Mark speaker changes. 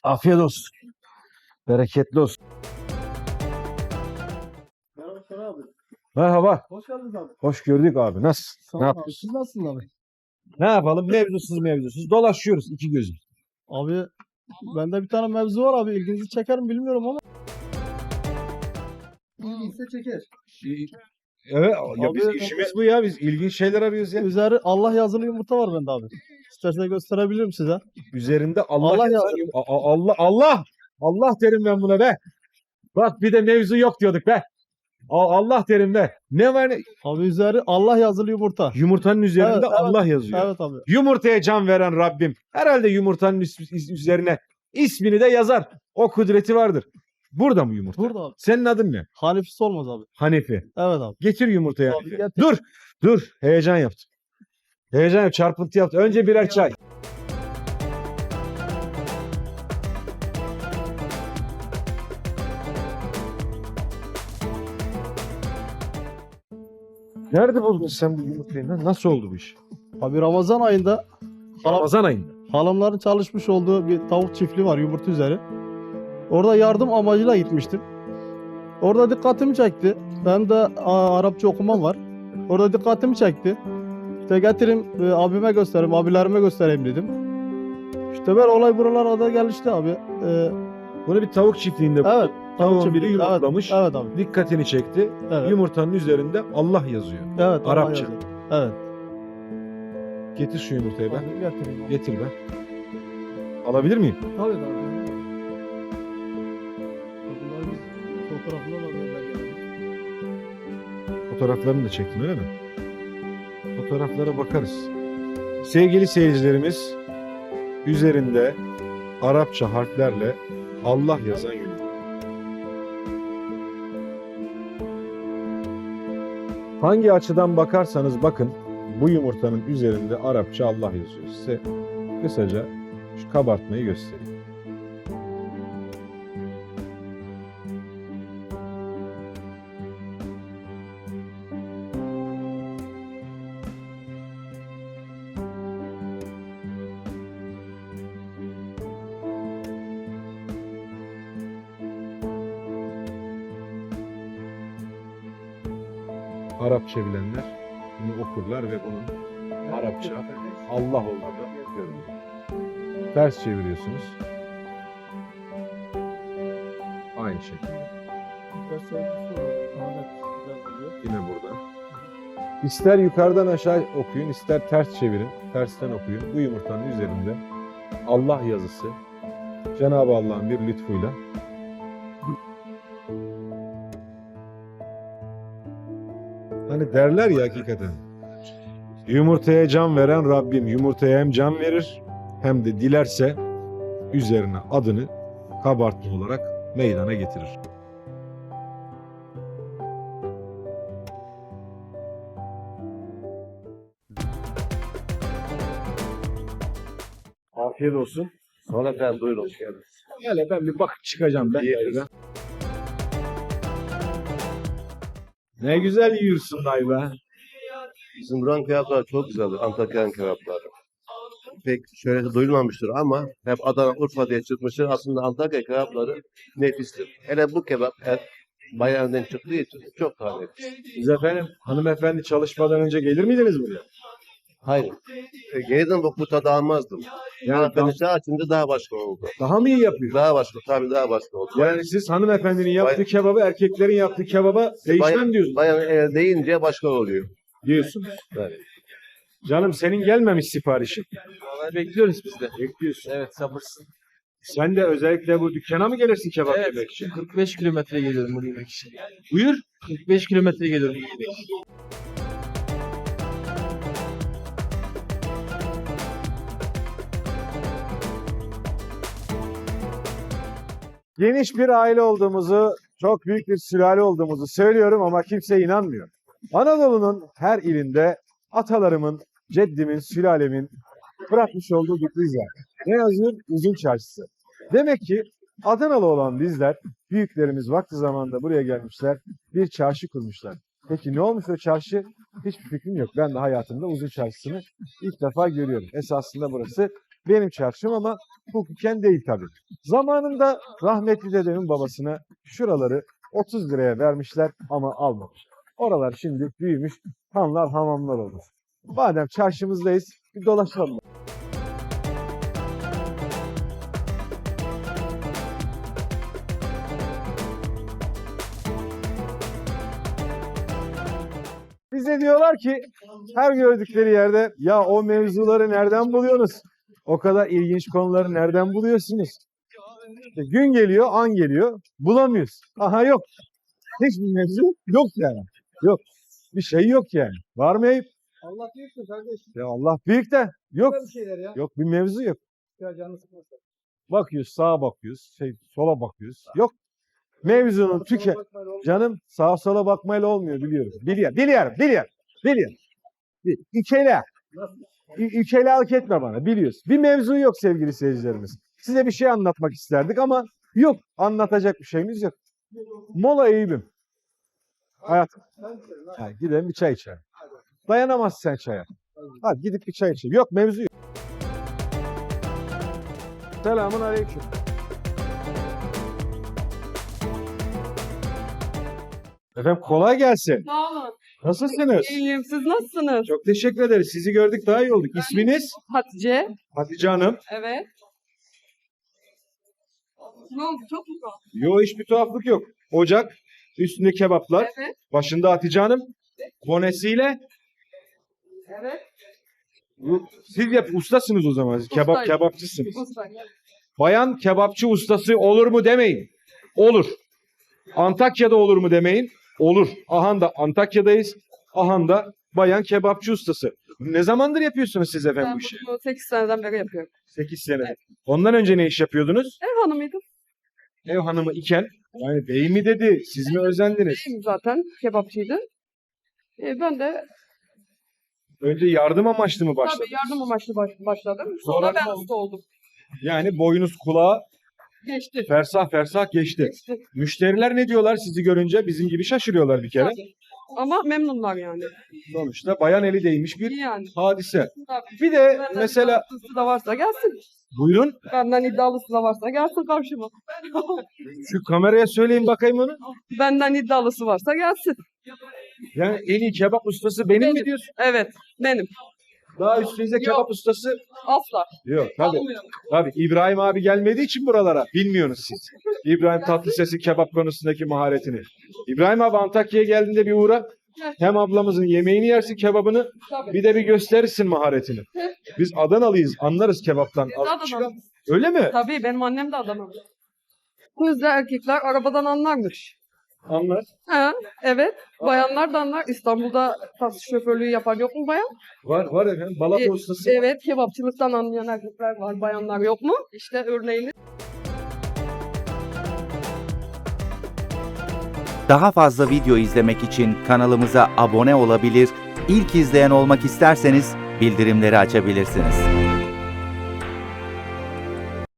Speaker 1: Afiyet olsun. Bereketli olsun.
Speaker 2: Merhaba Şener abi.
Speaker 1: Merhaba.
Speaker 2: Hoş geldiniz abi.
Speaker 1: Hoş gördük abi. Nasıl?
Speaker 2: Sağ
Speaker 1: Ne
Speaker 2: olun abi.
Speaker 1: yapıyorsun?
Speaker 2: Siz nasılsınız abi?
Speaker 1: Ne yapalım? Mevzusuz dolaşıyoruz iki gözüm.
Speaker 2: Abi bende bir tane mevzu var abi. İlginizi çeker mi bilmiyorum ama. İlginizse çeker.
Speaker 1: Evet ya
Speaker 2: Abi,
Speaker 1: biz işimiz bu ya. Biz ilginç şeyler arıyoruz ya.
Speaker 2: Üzeri Allah yazılı yumurta var bende abi. İstersen gösterebilirim size.
Speaker 1: Üzerinde Allah
Speaker 2: Allah
Speaker 1: yazan
Speaker 2: yazdı.
Speaker 1: Allah derim ben buna be. Bak bir de mevzu yok diyorduk be. Allah derim be. Ne var ne?
Speaker 2: Abi üzeri Allah yazılı yumurta.
Speaker 1: Yumurtanın üzerinde
Speaker 2: Evet, evet.
Speaker 1: Allah yazıyor.
Speaker 2: Evet abi.
Speaker 1: Yumurtaya can veren Rabbim. Herhalde yumurtanın üzerine ismini de yazar. O kudreti vardır. Burada mı yumurta?
Speaker 2: Burada abi.
Speaker 1: Senin adın ne?
Speaker 2: Hanefisi olmaz abi.
Speaker 1: Hanefi.
Speaker 2: Evet abi.
Speaker 1: Getir yumurtayı
Speaker 2: Abi,
Speaker 1: Hanefi.
Speaker 2: getir.
Speaker 1: Dur. Heyecan yaptım. Heyecan yap. Çarpıntı yaptım. Önce birer çay. Nerede buldun sen bu yumurtayı lan? Nasıl oldu bu iş?
Speaker 2: Abi Ramazan ayında
Speaker 1: Ramazan ayında.
Speaker 2: halamların çalışmış olduğu bir tavuk çiftliği var yumurta üzeri. Orada yardım amacıyla gitmiştim. Orada dikkatimi çekti. Ben de Arapça okumam var. Orada dikkatimi çekti. İşte getireyim abime göstereyim, abilerime göstereyim dedim. İşte böyle olay buralara da gelişti abi.
Speaker 1: Bunu bir tavuk çiftliğinde
Speaker 2: Evet.
Speaker 1: tavuğun biri
Speaker 2: çiftliği.
Speaker 1: yumurtlamış.
Speaker 2: Evet abi.
Speaker 1: Dikkatini çekti.
Speaker 2: Evet.
Speaker 1: Yumurtanın üzerinde Allah yazıyor.
Speaker 2: Evet. Allah
Speaker 1: Arapça.
Speaker 2: yazıyor. Evet.
Speaker 1: Getir şu yumurtayı be.
Speaker 2: Abi, getireyim abi.
Speaker 1: Getir be. Alabilir miyim?
Speaker 2: Tabii abi. Bunları biz fotoğrafına da gönderdik.
Speaker 1: Fotoğraflarını da çektin öyle mi? Fotoğraflara bakarız. Sevgili seyircilerimiz, üzerinde Arapça harflerle Allah yazan yumurta. Hangi açıdan bakarsanız bakın bu yumurtanın üzerinde Arapça Allah yazıyor. Size kısaca şu kabartmayı göstereyim. Arapça bilenler bunu okurlar ve bunun Arapça Allah olduğunu görürler. Ters çeviriyorsunuz. Aynı şekilde. Yine buradan. İster yukarıdan aşağı okuyun, ister ters çevirin, tersten okuyun. Bu yumurtanın üzerinde Allah yazısı Cenab-ı Allah'ın bir lütfuyla hani derler ya hakikaten. Yumurtaya can veren Rabbim yumurtaya hem can verir hem de dilerse üzerine adını kabartma olarak meydana getirir. Afiyet olsun.
Speaker 3: Sonra efendim buyurun hoş geldiniz.
Speaker 1: Hele ben bir bakıp çıkacağım ben.
Speaker 3: Yeriz.
Speaker 1: Ne güzel yiyorsun dayı be.
Speaker 3: Bizim buranın kebapları çok güzeldir. Antakya'nın kebapları. Pek şöyle duyulmamıştır ama hep Adana, Urfa diye çıkmıştır. Aslında Antakya kebapları nefistir. Hele bu kebap et bayanından çıktığı için çok daha nefis.
Speaker 1: Siz efendim hanımefendi çalışmadan önce gelir miydiniz buraya?
Speaker 3: Hayır. Yeniden bu tadı almazdım.
Speaker 1: Yani
Speaker 3: Yani ben açınca daha başka oldu.
Speaker 1: daha mı iyi yapıyor?
Speaker 3: Daha başka, tabii daha başka oldu.
Speaker 1: Yani siz hanımefendinin yaptığı kebabı erkeklerin yaptığı kebaba değişmem diyorsunuz.
Speaker 3: Bayan deyince başka oluyor.
Speaker 1: Diyorsunuz.
Speaker 3: Evet.
Speaker 1: Canım senin gelmemiş siparişin.
Speaker 4: Vallahi bekliyoruz biz de.
Speaker 1: Bekliyorsun.
Speaker 4: Evet sabırsın.
Speaker 1: Sen de özellikle bu dükkana mı gelirsin kebap
Speaker 4: Evet.
Speaker 1: yemek için?
Speaker 4: 45 kilometre geliyorum bunu yemek için.
Speaker 1: Buyur.
Speaker 4: 45 kilometre geliyorum bunu yemek için.
Speaker 1: Geniş bir aile olduğumuzu, çok büyük bir sülale olduğumuzu söylüyorum ama kimse inanmıyor. Anadolu'nun her ilinde atalarımın, ceddimin, sülalemin bırakmış olduğu bir iz var. Ne yazıyor? Uzun Çarşısı. Demek ki Adanalı olan bizler, büyüklerimiz vakti zamanında buraya gelmişler, bir çarşı kurmuşlar. Peki ne olmuş o çarşı? Hiçbir fikrim yok. Ben de hayatımda Uzun Çarşısı'nı ilk defa görüyorum. Esasında burası benim çarşım ama hukuken değil tabii. Zamanında rahmetli dedemin babasına şuraları 30 liraya vermişler ama almamış. Oralar şimdi büyümüş, hanlar hamamlar olmuş. Madem çarşımızdayız, bir dolaşalım. Bize diyorlar ki her gördükleri yerde ya o mevzuları nereden buluyorsunuz? O kadar ilginç konuları nereden buluyorsunuz? İşte gün geliyor, an geliyor, bulamıyoruz. Aha yok. Hiçbir mevzu yok yani. Yok. Bir şey yok yani. Var mı Eyüp?
Speaker 2: Allah büyüktür kardeş.
Speaker 1: Ya Allah büyük de yok.
Speaker 2: Bir şeyler ya.
Speaker 1: Yok bir mevzu yok.
Speaker 2: Ya canı sıkmasın.
Speaker 1: Bakıyoruz sağa bakıyoruz, sola bakıyoruz. Yok. Mevzunun canım sağa sola bakmayla olmuyor biliyorum. Biliyorum. Ükelalık etme bana biliyoruz. Bir mevzu yok sevgili seyircilerimiz. Size bir şey anlatmak isterdik ama yok. Anlatacak bir şeyimiz yok. Mola Eyüp'üm. Hayatım. Yani gidelim bir çay içelim. Dayanamazsın sen çaya. Hadi gidip bir çay içelim. Yok mevzu yok. Selamun aleyküm. Efendim kolay gelsin.
Speaker 5: Sağ olun.
Speaker 1: Nasılsınız?
Speaker 5: İyiyim. Siz nasılsınız?
Speaker 1: Çok teşekkür ederiz. Sizi gördük daha iyi olduk. İsminiz?
Speaker 5: Hatice.
Speaker 1: Hatice Hanım.
Speaker 5: Evet. Ne oldu? Çok mu tuhaf?
Speaker 1: Yo hiçbir tuhaflık yok. Ocak, üstünde kebaplar,
Speaker 5: Evet.
Speaker 1: başında Hatice Hanım, bonesiyle.
Speaker 5: Evet.
Speaker 1: Siz ustasınız o zaman. Siz
Speaker 5: Ustayım.
Speaker 1: kebapçısınız.
Speaker 5: Usta.
Speaker 1: Bayan kebapçı ustası olur mu demeyin. Olur. Antakya'da olur mu demeyin. Olur. Ahanda Antakya'dayız. Ahanda bayan kebapçı ustası. Ne zamandır yapıyorsunuz siz efendim
Speaker 5: Ben
Speaker 1: bu işi?
Speaker 5: bunu 8 seneden beri yapıyorum.
Speaker 1: 8 sene. Ondan önce ne iş yapıyordunuz?
Speaker 5: Ev hanımıydım.
Speaker 1: Ev hanımı iken yani bey mi dedi, siz mi özendiniz?
Speaker 5: Beyim zaten. Kebapçıydı. Ben de
Speaker 1: Önce yardım amaçlı mı
Speaker 5: tabii
Speaker 1: başladınız?
Speaker 5: yardım amaçlı başladım.
Speaker 1: Sonra
Speaker 5: Sonra ben
Speaker 1: ne oldu?
Speaker 5: usta oldum.
Speaker 1: Yani boynuz kulağa
Speaker 5: Geçti.
Speaker 1: fersah fersah geçti.
Speaker 5: Geçti.
Speaker 1: Müşteriler ne diyorlar sizi görünce? Bizim gibi şaşırıyorlar bir kere.
Speaker 5: Tabii. Ama memnunlar yani.
Speaker 1: Sonuçta bayan eli değmiş bir
Speaker 5: İyi yani.
Speaker 1: hadise.
Speaker 5: Tabii.
Speaker 1: Bir de
Speaker 5: Benden
Speaker 1: mesela
Speaker 5: iddialısı da varsa gelsin.
Speaker 1: buyurun
Speaker 5: Benden iddialısı da varsa gelsin karşıma.
Speaker 1: şu kameraya söyleyin bakayım onu.
Speaker 5: Benden iddialısı varsa gelsin.
Speaker 1: Yani en iyi kebap ustası benim mi
Speaker 5: Benim.
Speaker 1: diyorsun?
Speaker 5: Evet. Benim.
Speaker 1: Daha üstünüze kebap ustası
Speaker 5: Asla.
Speaker 1: yok. Tabii.
Speaker 5: Almıyorum.
Speaker 1: Tabii İbrahim abi gelmediği için buralara bilmiyorsunuz siz. İbrahim Tatlıses'in kebap konusundaki maharetini. İbrahim abi Antakya'ya geldiğinde bir uğra. Hem ablamızın yemeğini yersin kebabını
Speaker 5: Tabii.
Speaker 1: bir de bir gösterirsin maharetini. Biz Adanalıyız anlarız kebaptan.
Speaker 5: Biz de Adanalıyız.
Speaker 1: Öyle mi?
Speaker 5: Tabii benim annem de Adanalı. Kızla erkekler arabadan anlarmış.
Speaker 1: Anlar.
Speaker 5: Ha, evet. Bayanlar da anlar. İstanbul'da taksi şoförlüğü yapan yok mu bayan?
Speaker 1: Var efendim. Balata ustası.
Speaker 5: Evet. Kebapçılıktan anlayan erkekler var. Bayanlar yok mu? İşte örneğini.
Speaker 6: Daha fazla video izlemek için kanalımıza abone olabilir, ilk izleyen olmak isterseniz bildirimleri açabilirsiniz.